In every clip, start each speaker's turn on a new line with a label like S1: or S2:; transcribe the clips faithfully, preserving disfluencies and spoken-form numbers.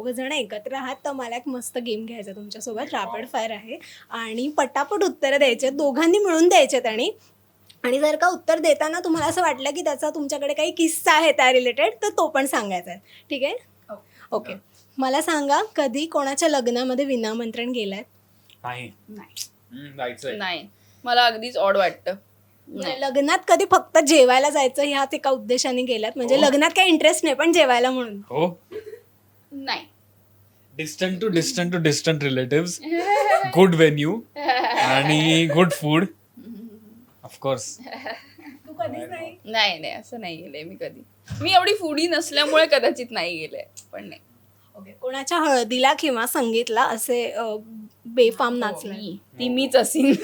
S1: दोघं जण एकत्र आहात तर मला एक मस्त गेम घ्यायचा तुमच्यासोबत. रॅपिड फायर आहे आणि पटापट उत्तरं द्यायचे, दोघांनी मिळून द्यायचेत. आणि आणि जर का उत्तर देताना तुम्हाला असं वाटलं की त्याचा तुमच्याकडे काही किस्सा आहे त्या रिलेटेड तर तो पण सांगायचा आहे. ठीक आहे? ओके. मला सांगा, कधी कोणाच्या लग्नामध्ये विनामंत्रण गेलाय?
S2: नाही.
S3: नाही
S2: जायचंय.
S3: नाही, मला अगदीच ऑड वाटतं. नाही.
S1: लग्नात कधी फक्त जेवायला जायचं ह्याच एका उद्देशाने गेलात? म्हणजे
S2: हो.
S1: लग्नात काही इंटरेस्ट नाही पण जेवायला म्हणून?
S2: हो.
S3: नाही.
S2: Distant to distant to distant relatives, good venue आणि गुड फूड ऑफकोर्स.
S1: तू कधीच नाही?
S3: नाही नाही असं नाही गेले मी कधी. मी एवढी फूडी नसल्यामुळे कदाचित नाही गेले, पण नाही.
S1: ओके. कोणाच्या हळदीला किंवा संगीतला असे अ, बेफाम नाचलाय?
S3: मी ती मीच असीन.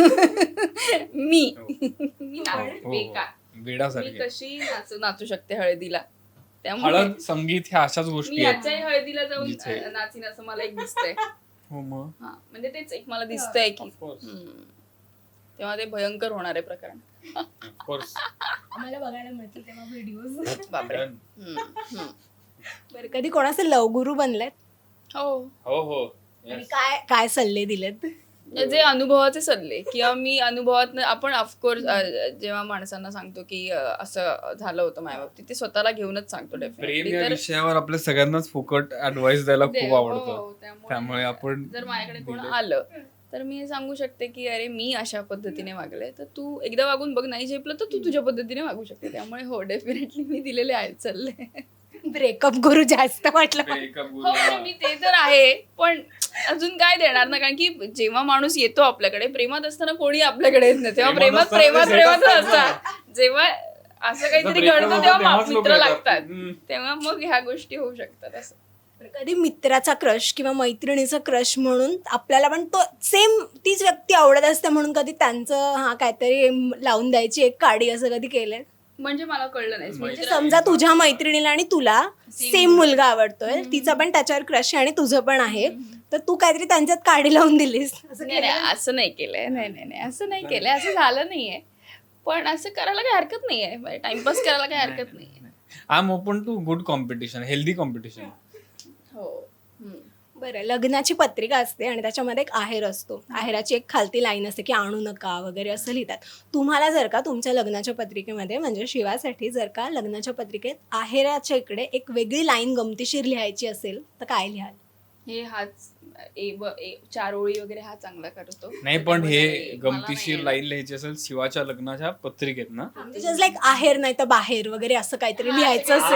S3: मी मी नाचते
S2: हो,
S3: बेकार. मी
S2: वेडासारखे.
S3: कशी नाचू नाचू शकते हळदीला, त्यामुळे
S2: हळद संगीत ह्या अशाच
S3: मी
S2: गोष्टी आहेत.
S3: याच्याही हळदीला जाऊन
S2: जिथे-
S3: अ, नाचीन असं मला एक दिसतंय.
S2: हो मग
S3: हा म्हणजे तेच एक मला दिसतंय की
S2: Of course.
S3: हम्म. तेव्हा ते भयंकर होणार आहे प्रकरण.
S2: ऑफकोर्स.
S1: आम्हाला बघायला मिळतील तेव्हा व्हिडिओज.
S3: बापरे. हम्म, हम्म.
S1: बरं, कधी कोणाचे लवगुरू बनलेत?
S3: हो,
S2: हो हो.
S1: आणि काय काय सल्ले दिलेत?
S3: जे अनुभवाचे सल्ले किंवा मी अनुभवात आपण ऑफकोर्स जेव्हा माणसांना सांगतो की अ, असं झालं होतं माझ्या बाबतीत, ते स्वतःला घेऊनच सांगतो
S2: प्रेम
S3: डेफिनेटली.
S2: या
S3: तर
S2: विषयावर आपल्या सगळ्यांनाच फुकट ऍडवाइस द्यायला
S3: दे-
S2: खूप
S3: हो,
S2: आवडतं.
S3: त्यामुळे
S2: त्यामुळे आपण
S3: जर माझ्याकडे कोण
S2: दिले.
S3: आलं तर मी हे सांगू शकते की अरे मी अशा पद्धतीने वागले, तर तू एकदा वागून बघ, नाही झेपलं तर तू तुझ्या पद्धतीने वागू शकते. त्यामुळे हो, डेफिनेटली मी दिलेले आहेत सल्ले.
S1: ब्रेकअप गुरु जास्त वाटलं.
S2: Breakup
S3: हो
S2: गुरु.
S3: म्हणजे मी ते तर आहे, पण अजून काय देणार ना, कारण की जेव्हा माणूस येतो आपल्याकडे, प्रेमात असताना कोणी आपल्याकडे येत नाही, तेव्हा
S2: प्रेमात
S3: प्रेमात प्रेमात
S2: असताना
S3: प्रेमात
S2: ते set
S3: असतात. जेव्हा असं काहीतरी
S2: breakup
S3: घडतं
S2: होतं
S3: तेव्हा
S2: तेव्हाच
S3: मा-
S2: लोकं
S3: मित्र
S2: येतात.
S3: लागतात,
S2: हम्म.
S3: तेव्हा मग ह्या गोष्टी होऊ शकतात. असं
S1: कधी मित्राचा क्रश किंवा मैत्रिणीचा क्रश म्हणून आपल्याला पण तो सेम तीच व्यक्ती आवडत असते म्हणून कधी त्यांचं हा काहीतरी लावून द्यायची एक काडी असं कधी केलंय?
S3: म्हणजे मला कळलं नाही.
S1: म्हणजे
S3: मित्र-
S1: समजा तुझ्या मैत्रिणीला आणि तुला
S3: Same
S1: सेम मुलगा आवडतोय, तिचा पण त्याच्यावर क्रश आहे आणि तुझं पण आहे, तर तू काहीतरी त्यांच्यात काडी लावून दिलीस असं
S3: नाही
S1: केलंय?
S3: नाही, असं नाही केलंय. नाही नाही नाही, असं नाही केलंय, असं झालं नाहीये. पण असं करायला काही हरकत नाहीये, टाइमपास करायला काही हरकत नाहीये.
S2: I am open to good competition, healthy competition.
S3: हो. हम्म.
S1: बरं, लग्नाची पत्रिका असते आणि त्याच्यामध्ये एक आहेर असतो. आहेराची एक खालती लाईन असते की आणू नका वगैरे असं लिहितात. तुम्हाला जर का तुमच्या लग्नाच्या पत्रिकेमध्ये म्हणजे शिवासाठी जर का लग्नाच्या पत्रिकेत आहेराच्या इकडे एक वेगळी लाईन गमतीशीर लिहायची असेल तर काय लिहाल?
S3: हे हाच ए ब ए चार ओळी वगैरे हा चांगला करतो.
S2: नाही पण हे
S3: मला
S2: गमतीशीर
S3: नाही
S2: लाईन लिहायची असेल शिवाच्या लग्नाच्या पत्रिकेत ना.
S1: म्हणजे जस्ट लाईक आहेर नाही तर बाहेर वगैरे असं काहीतरी लिहायचं
S3: हा.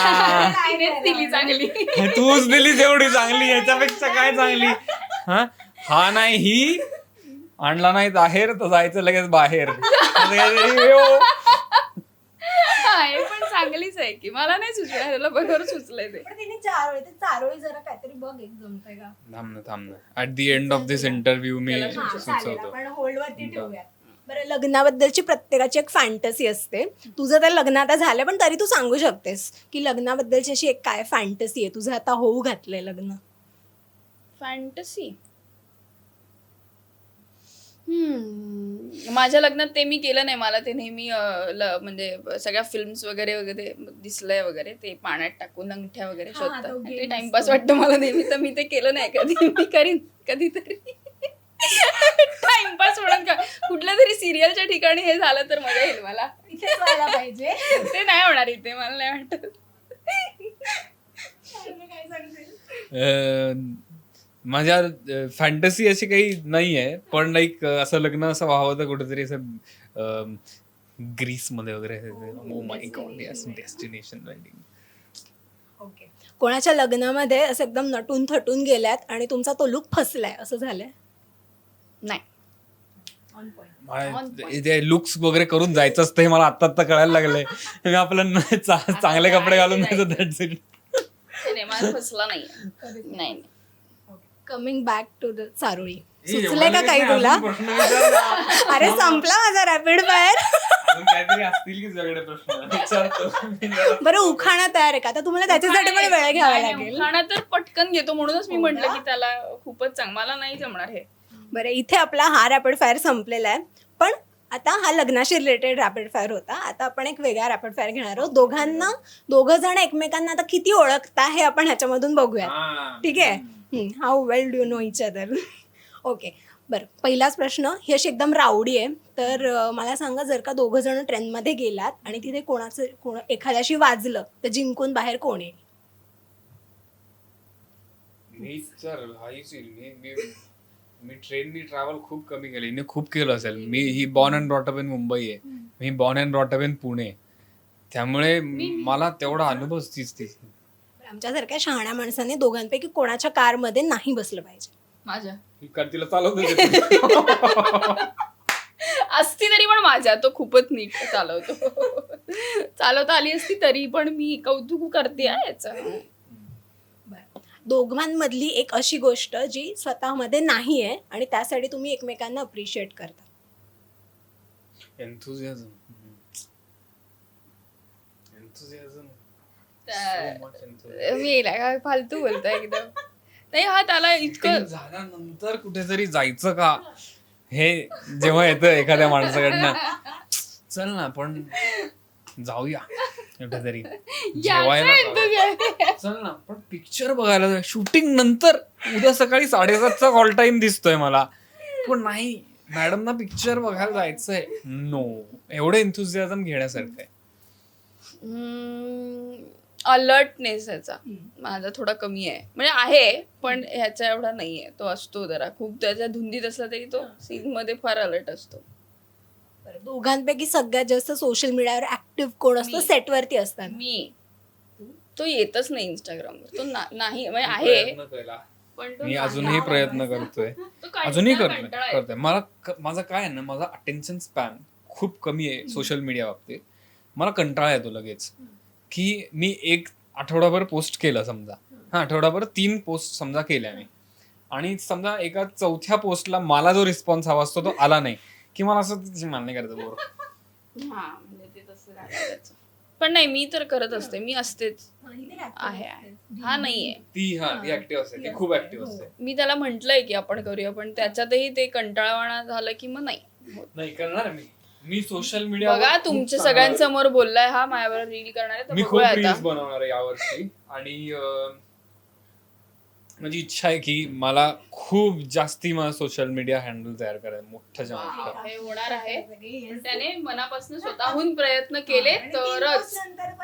S1: असेल.
S3: तिनेच दिली चांगली.
S2: तूच दिली तेवढी चांगली, याच्यापेक्षा काय चांगली. हा हा नाही ही आणला नाही बाहेर तर जायचं लगेच बाहेर. असं काहीतरी, यो.
S3: हा, हे पण चांगलीच आहे की मला नाही सुचलं, त्याला बरोबर सुचलंय ते.
S1: पण तिने चारोळी ते चारोळी जरा काहीतरी बघ एक जमतंय का?
S2: थांब ना थांब ना at the end of this interview मी
S3: त्याला
S1: हा, चालेल,
S2: सुचवतो.
S1: आपण होल्डवरती ठेवूयात. बरं, लग्नाबद्दलची प्रत्येकाची एक फॅन्टसी असते. तुझं तर लग्न आता झालं पण तरी तू सांगू शकतेस की लग्नाबद्दलची अशी एक काय फॅन्टसी आहे तुझं आता होऊ घातलंय लग्न?
S3: फॅन्टसी हम्म माझ्या लग्नात ते मी केलं नाही. मला ते नेहमी अं, ल- म्हणजे सगळ्या फिल्म्स वगैरे वगैरे दिसलंय वगैरे, ते पाण्यात टाकून अंगठ्या वगैरे
S1: हा, तो
S3: शोधतात,
S1: game
S3: ते टाइमपास
S1: असतो.
S3: वाटतं मला नेहमी, तर मी ते केलं नाही कधी. मी करीन कधीतरी टाइमपास म्हणून का कुठल्या तरी सिरियलच्या ठिकाणी हे झालं तर मजा येईल मला.
S1: इथेच व्हायला पाहिजे.
S3: ते नाही होणार इथे, मला नाही वाटत.
S1: काय सांगशील?
S2: अं, माझ्या फॅन्टसी अशी काही नाही आहे, पण लाईक असं लग्न असं व्हावं तर कुठेतरी असं ग्रीस मध्ये वगैरे. Oh my God, yes, destination wedding.
S1: Okay. कोणाच्या लग्नामध्ये असं एकदम नटून थटून गेल्यात आणि तुमचा तो लुक फसलाय असं झालंय?
S3: नाही. On
S2: ते लुक्स वगैरे करून जायचं असतं हे मला आता आता कळायला लागलंय. मी आपलं न- चा- चांगले कपडे घालून जायचं, that's it.
S3: ते नाही, माझा फसला नाही. नाही नाही.
S1: कमिंग बॅक टू द चारोळी.
S2: ए,
S1: सुचलंय
S2: एवढं
S1: का काही
S2: नाही,
S1: तुला?
S2: अजून प्रश्न विचार ना.
S1: अरे संपला माझा रॅपिड फायर.
S2: अजून काहीतरी असतील की सगळे प्रश्न विचारतो.
S1: बरं, उखाणा तयार आहे का? आता तुम्हाला त्याच्यासाठी पण वेळ घ्यावा
S3: नाही, नाही,
S1: लागेल.
S3: उखाणा तर पटकन घेतो म्हणूनच मी
S1: हो
S3: म्हंटल
S1: ना?
S3: की त्याला खूपच चांग मला नाही जमणार हे.
S1: बरं, इथे आपला हा रॅपिड फायर संपलेला आहे. पण आता हा लग्नाशी रिलेटेड रॅपिड फायर होता. आता आपण एक वेगळा रॅपिड फायर घेणार आहोत. दोघांना दोघं जण एकमेकांना आता किती ओळखता हे आपण ह्याच्यामधून बघूया. ठीक आहे. How well do you know each other. Okay, बरं. पहिलाच प्रश्न ही अशी एकदम रावडी आहे. तर अं, मला सांगा, जर का दोघं जण ट्रेनमध्ये गेलात आणि तिथे कोणाचं कोण एखाद्याशी वाजलं तर जिंकून बाहेर कोण येईल?
S2: मी तर हाईच येईल. मी मी मी ट्रेननी ट्रॅव्हल खूप कमी केलं. हिने खूप केलं असेल. मी ही born and brought up in Mumbai आहे. मी born and brought up in Pune. त्यामुळे मला तेवढा अनुभव तीच तीच.
S1: आमच्यासारख्या शहाण्या माणसाने दोघांपैकी कोणाच्या कारमध्ये नाही बसलं पाहिजे.
S3: माझ्या
S2: ही कार तिला चालवतो.
S3: असती तरी पण माझ्या तो खूपच नीट चालवतो. चालवता आली असती तरी पण मी कौतुक करते आहे याचं.
S1: दोघांमधली एक अशी गोष्ट जी स्वतःमध्ये नाही आहे आणि त्यासाठी तुम्ही एकमेकांना अप्रिशिएट करता.
S2: एन्थुझियाझम. एन्थुझियाझम.
S3: मी येईल काय फालतू बोलतोय एकदम. नाही हा त्याला इतकं
S2: झाल्यानंतर कुठेतरी जायचं का हे जेव्हा येतं एखाद्या माणसाकडनं, चल ना आपण जाऊया कुठेतरी जेवायला जाऊया. चल ना पण पिक्चर बघायला जाऊया. शूटिंग नंतर उद्या सकाळी साडेसातचा कॉल टाइम दिसतोय मला, पण नाही मॅडम ना पिक्चर बघायला जायचंय. नो, एवढं एन्थुझियाझम घेण्यासारखं आहे.
S3: अलर्टनेस ह्याचा माझा थोडा कमी आहे. म्हणजे आहे पण ह्याचा एवढा नाहीये. तो असतो जरा खूप त्याच्या धुंदीत असला तरी तो सीन मध्ये फार अलर्ट असतो.
S1: दोघांपैकी सगळ्यात जास्त सोशल मीडियावर ऍक्टिव्ह कोण असतो
S3: मी.
S1: सेटवरती असतात?
S3: मी तो येतच नाही इंस्टाग्रामवर. तो ना- नाही म्हणजे आहे
S2: प्रयत्न केला.
S3: पण तो
S2: मी
S3: नाही.
S2: अजूनही प्रयत्न करतोय.
S3: तो कंटाळा-
S2: अजूनही करतोय
S3: कंटाळा येतो.
S2: करतोय मला क- माझा काय आहे ना, माझा अटेन्शन स्पॅन खूप कमी आहे सोशल मीडिया बाबतीत. मला कंटाळा येतो लगेच की मी एक आठवडाभर पोस्ट केलं समजा, हा आठवडाभर तीन पोस्ट समजा केल्या मी, आणि समजा एका चौथ्या पोस्टला मला जो रिस्पॉन्स हवा असतो तो आला नाही की मला असं मान्य करतं बोर.
S3: हा म्हणजे ते तसं राहतं त्याचं. पण नाही मी तर करत असते. मी असतेच. आहे आहे. हा नाहीये.
S2: ती हा ती ऍक्टिव्ह असते, ती खूप ऍक्टिव्ह असते.
S3: मी त्याला म्हंटलय की आपण करूया पण त्याच्यातही ते कंटाळवाणा झालं की मग नाही होत.
S2: नाही करणार मी मी सोशल मीडिया
S3: बघा तुमच्या सगळ्यांसमोर बोललाय हा माझ्यावर रील करणार आहे तर
S2: मी खूप
S3: बघूया
S2: रील्स
S3: आता.
S2: बनवणार आहे यावर्षी. आणि अं, माझी इच्छा आहे की मला खूप जास्ती मला सोशल मीडिया हँडल तयार करायचं मोठ्याच्या
S3: वा,
S2: मोठं.
S3: हे होणार आहे. पण त्याने मनापासून स्वतःहून प्रयत्न केले तरच.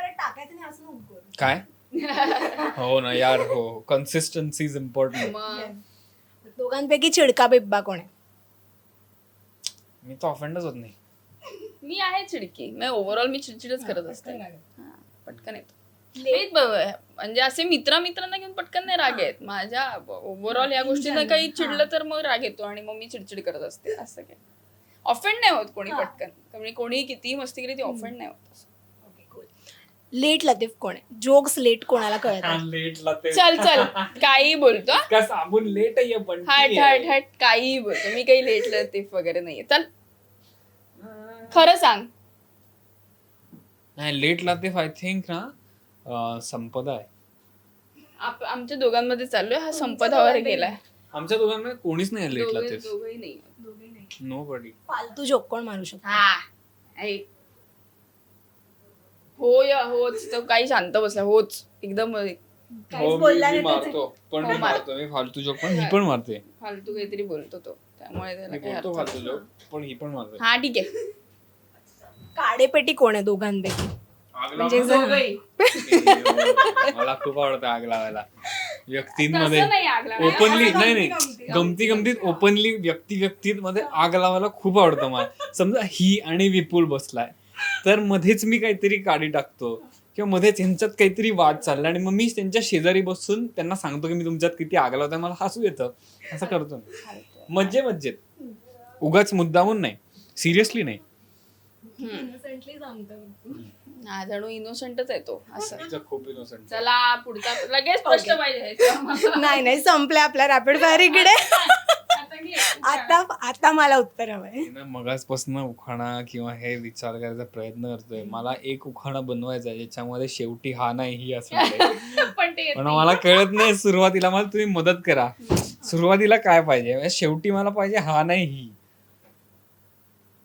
S2: काय हो ना यार, हो कन्सिस्टन्सी इज इम्पॉर्टंट.
S3: मग
S1: दोघांपैकी चिडका बिब्बा कोण आहे?
S2: मी तर ऑफेंडच होत नाही.
S3: मी आहे चिडकी. मी ओव्हरऑल मी चिडचिडच करत असते. हा, पटकन येतो. मी ब- म्हणजे असे मित्र मित्रांना घेऊन पटकन नाही राग येत. माझ्या ओव्हरऑल या गोष्टीनं काही चिडलं तर मग राग येतो आणि मग मी चिडचिड करत असते. असं काय ऑफेंड नाही होत कोणी पटकन. म्हणजे कोणी कितीही मस्ती केली ती ऑफेंड नाही होत असं.
S1: लेट लतीफ कोण आहे? जोक्स लेट कोणाला कळतात?
S2: लेटला ते
S3: चल चल काही बोलतो हा.
S2: का साबून लेट आहे पण
S3: हट हट हट काही बोलतो. मी काही लेट लतीफ वगैरे नाहीये. चल खरं सांग.
S2: नाही लेट लातीफ आय थिंक ना अं, संपदा आहे.
S3: आप- आमच्या दोघांमध्ये चाललोय हा संपदावर गेलाय.
S2: आमच्या दोघांमध्ये कोणीच नाही लेट
S3: दोघे-
S2: लातीफ.
S3: दोघंही नाही.
S2: Nobody.
S1: फालतू जोक कोण मारू शकतो?
S3: हा ऐक. हो या होच तो काही शांत बसला होच एकदम
S2: हो
S1: काहीच
S2: मी
S1: बोलला
S2: मी
S1: नाही
S2: मारतो पण मी
S3: हो, मार.
S2: मारतो मी फालतू जोक पण ही पण मारते.
S3: फालतू काहीतरी बोलतो तो त्यामुळे त्याला
S2: मी
S3: काही
S2: बोलतो
S3: अर्थ
S2: फालतू
S3: नाही.
S2: जोक पण ही पण मारते.
S3: हा ठीक आहे.
S1: काडेपेटी कोण आहे दोघांपैकी?
S2: आग
S1: म्हणजे
S2: लावायला?
S3: दोघंही.
S2: मला खूप आवडतं आग लावायला व्यक्तींमध्ये.
S3: तसं नाही आग लावायला.
S2: ओपनली
S1: असं
S2: नाही
S1: गमती-
S2: नाही
S1: गमती-
S2: गमती गमतीत ओपनली व्यक्ती व्यक्तीमध्ये आग लावायला खूप आवडतं मला. समजा ही आणि विपुल बसलाय तर मध्येच मी काहीतरी काडी टाकतो किंवा मध्येच ह्यांच्यात काहीतरी वाद चालला आणि मग मी त्यांच्या शेजारी बसून त्यांना सांगतो की मी तुमच्यात किती आग लावताय, मला हसू येतं. असं करतो मी मज्जे मज्जेत, उगाच मुद्दामून नाही, सिरियसली नाही.
S3: हा जणू इनोसंटच आहे तो असं.
S2: तिचं खूप इनोसंट.
S3: चला पुढचा लगेच स्पष्ट पाहिजे.
S1: नाही नाही संपलं आपला रॅपिड फायर इकडे.
S3: आता घे.
S1: आता आता मला उत्तर हवंय.
S2: मगाचपासून उखाणा किंवा हे विचार करायचा प्रयत्न करतोय. मला एक उखाणा बनवायचा ज्याच्यामध्ये शेवटी हा नाही ही असणार आहे.
S3: पण ते येत
S2: पण
S3: नाही.
S2: मला कळत नाही सुरुवातीला. मला तुम्ही मदत करा, सुरुवातीला काय पाहिजे? शेवटी मला पाहिजे हा नाही ही.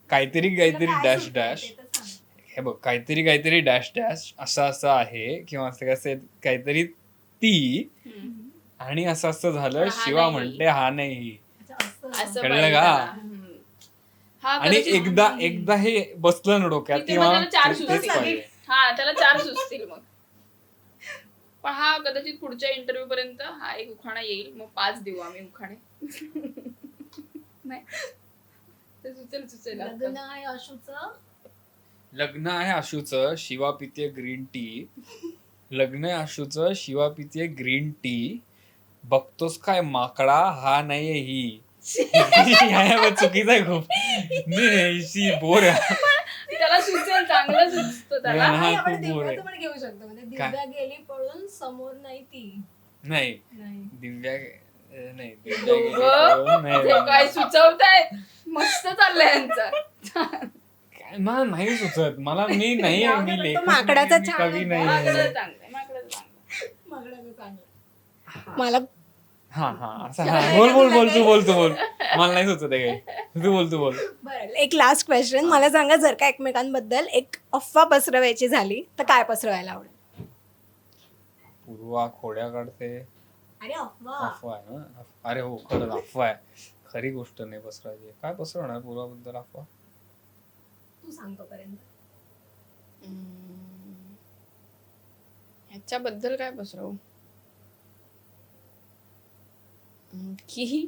S2: काहीतरी काहीतरी डॅश डॅश हे बघ काहीतरी काहीतरी डॅश डॅश असं असं आहे किंवा असं कसं काहीतरी ती आणि असं असं झालं
S3: हा
S2: शिवा
S3: नाही.
S2: म्हणते हा नाही
S3: असं
S2: कळलं
S3: पाहिजे
S2: का?
S3: त्याला. हम्म. हा
S2: आणि
S3: कदाचित-
S2: एकदा एकदा हे बसलं ना डोक्यात
S3: की तेव्हा
S2: किंवा
S3: त्याला चार
S2: ते- तेच
S3: सुचतील.
S2: पाहिजे.
S3: हा त्याला चार सुचतील मग पण हा कदाचित पुढच्या इंटरव्ह्यू पर्यंत हा एक उखाणा येईल मग पाच देऊ आम्ही उखाणे नाही ते सुचेल सुचेल
S1: लग्न आहे अशूचं
S2: लग्न आहे आशूचं शिवा पिते ग्रीन टी लग्न आहे आशूचं शिवा पिते ग्रीन टी बघतोस काय माकडा हा नाहीये ही चुकीचा आहे खूप नाही बोर आहे
S3: त्याला सुचेल चांगलं सुचतं त्याला
S2: हा,
S1: नाही,
S2: खूप
S1: आपण
S2: बोर आहे.
S1: दिव्याचं पण घेऊ शकतो म्हणजे
S2: काय?
S1: दिव्या गेली पळून समोर नाही ती
S2: नाही
S1: नाही
S2: दिव्या अं, नाही दिव्या
S3: दोघं
S2: गेली पळून, नाही,
S3: जे काय सुचवतायत मस्त चाललंय यांचं
S2: काय, मला नाही सुचत मला मी नाही
S1: जाऊ
S2: मी
S1: दे, पण तो
S2: लेखक
S1: माकडाचा
S2: नाही, मी
S1: छान
S2: कवी
S1: आहे.
S2: नाही
S3: माकडं चांगलंय माकडं चांगलंय
S1: मागण्याचं चांगलं मला
S2: हा हा असं हा बोल बोल बोल तू बोल तू बोल मला नाही सुचत आहे काही तू बोल तू बोल
S1: बरं एक लास्ट क्वेश्चन मला सांगा जर का एकमेकांबद्दल एक अफवा पसरवायची झाली तर काय पसरवायला आवडेल
S2: पूर्वा खोड्या काढते
S1: अरे अफवा
S2: अफवा आहे ना अफ- अरे हो खरंच अफवा आहे खरी गोष्ट नाही पसरायची काय पसरवणार पूर्वाबद्दल अफवा
S1: तू सांगतो पर्यंत
S3: हम्म. ह्याच्याबद्दल काय पसरवू हम्म, की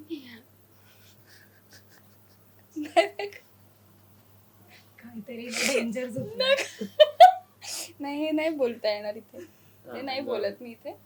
S1: काहीतरी डेंजर
S3: नाही हे नाही बोलता येणार इथे हे नाही बोलत मी इथे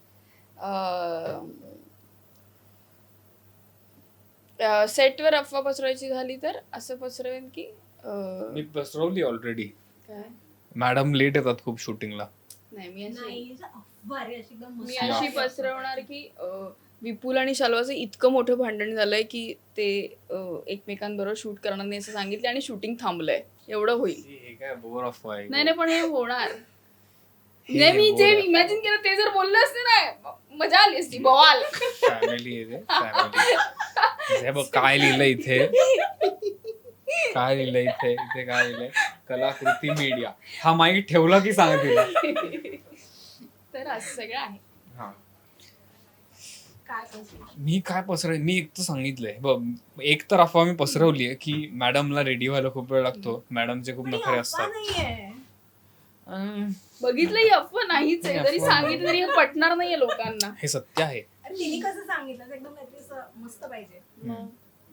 S3: सेटवर अफवा पसरवायची झाली तर असं पसरवेन की अं,
S2: मी पसरवली ऑलरेडी
S3: काय
S2: मॅडम लेट येतात खूप शूटिंगला
S3: नाही मी अशी
S1: नाही अफवा रे अशी एकदम
S3: मी
S1: मस्त
S3: अशी
S1: अफवा.
S3: पसरवणार की अं, विपुल आणि शाल्वाचं इतकं मोठं भांडण झालंय की ते अं, एकमेकांबरोबर शूट करणार नाही असं सांगितलं आणि शूटिंग थांबलंय एवढं होईल
S2: हे काय बोर अफवा आहे
S3: नाही नाही पण हे होणार
S2: हे
S3: नाही मी जे
S2: बोर.
S3: इमॅजिन केलं ते जर बोललं असते ना म- मजा आली असती बवाल
S2: फॅमिली आहे ते फॅमिली हे बघ काय लिहिलंय इथे काय लिहिलंय इथे इथे काय लिहिलंय कलाकृती मीडिया हा माईक ठेवला की सांग तिला
S3: तर असं सगळं आहे
S2: हा
S1: काय पसरवलं?
S2: मी काय पसरव मी एक तर सांगितलंय बघ एक तर अफवा मी पसरवली आहे की मॅडमला रेडी व्हायला खूप वेळ लागतो मॅडमचे खूप
S1: पण ही
S2: नखरे
S1: अफवा
S2: असतात
S1: नाहीये.
S2: अं,
S3: बघितलं ही अफवा नाहीच आहे
S2: ही
S3: जरी
S2: अफवा
S3: सांगितलं तरी हे पटणार नाहीये लोकांना
S2: हे सत्य आहे
S1: अरे तिने कसं सांगितलं असं एकदम काहीतरी असं मस्त पाहिजे
S3: मग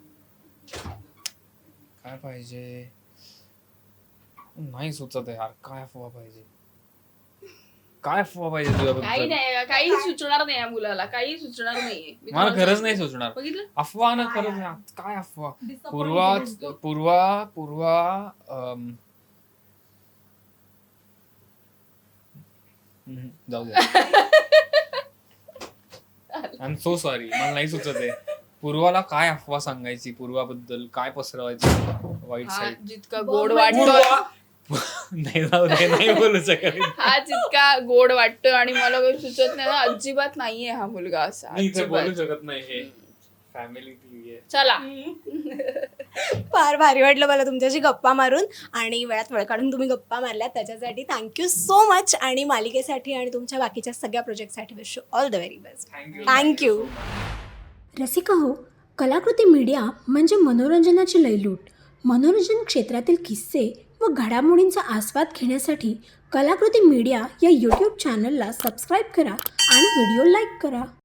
S2: काय पाहिजे नाही सुचत आहे यार काय अफवा पाहिजे काय अफवा पाहिजे
S3: काही
S2: तुझ्याबद्दल
S3: नाही काही सुचणार नाही या मुलाला काही सुचणार नाहीये मी
S2: मला
S3: तुम्हाला
S2: खरंच नाही
S3: सांगते.
S2: सुचणार
S3: बघितलं
S2: अफवा ना
S1: काय
S2: खरंच
S1: यार?
S2: नाही. काय अफवा
S1: Disappointed
S2: पूर्वा
S1: होतो.
S2: पूर्वा पूर्वा अम, हम्म, जाऊ दे आय एम सो सॉरी मला नाही सुचत आहे पूर्वाला काय अफवा सांगायची पूर्वाबद्दल काय पसरवायची वाईट
S3: हा
S2: साईड
S3: जितका गोड
S1: बघ,
S3: वाटतो
S2: नाही जाऊ दे नाही बोलू शकत
S3: हा जितका गोड वाटतो आणि मला काही सुचत नाही ना अजिबात नाहीये हा मुलगा असा
S2: मी इथे बोलू
S3: अजिबात
S2: शकत नाही हे फॅमिली टीव्ही आहे
S3: चला
S1: फार भारी वाटलं मला तुमच्याशी गप्पा मारून आणि वेळात वेळ काढून तुम्ही गप्पा मारल्यात त्याच्यासाठी थँक्यू सो मच आणि मालिकेसाठी आणि तुमच्या बाकीच्या सगळ्या प्रोजेक्टसाठी wish you all the very best
S2: thank you
S1: thank you
S4: Rasika हो कलाकृती मीडिया म्हणजे मनोरंजनाची लयलूट मनोरंजन क्षेत्रातील किस्से व घडामोडींचा आस्वाद घेण्यासाठी कलाकृती मीडिया या यूट्यूब चॅनलला सबस्क्राईब करा आणि व्हिडिओ लाईक करा.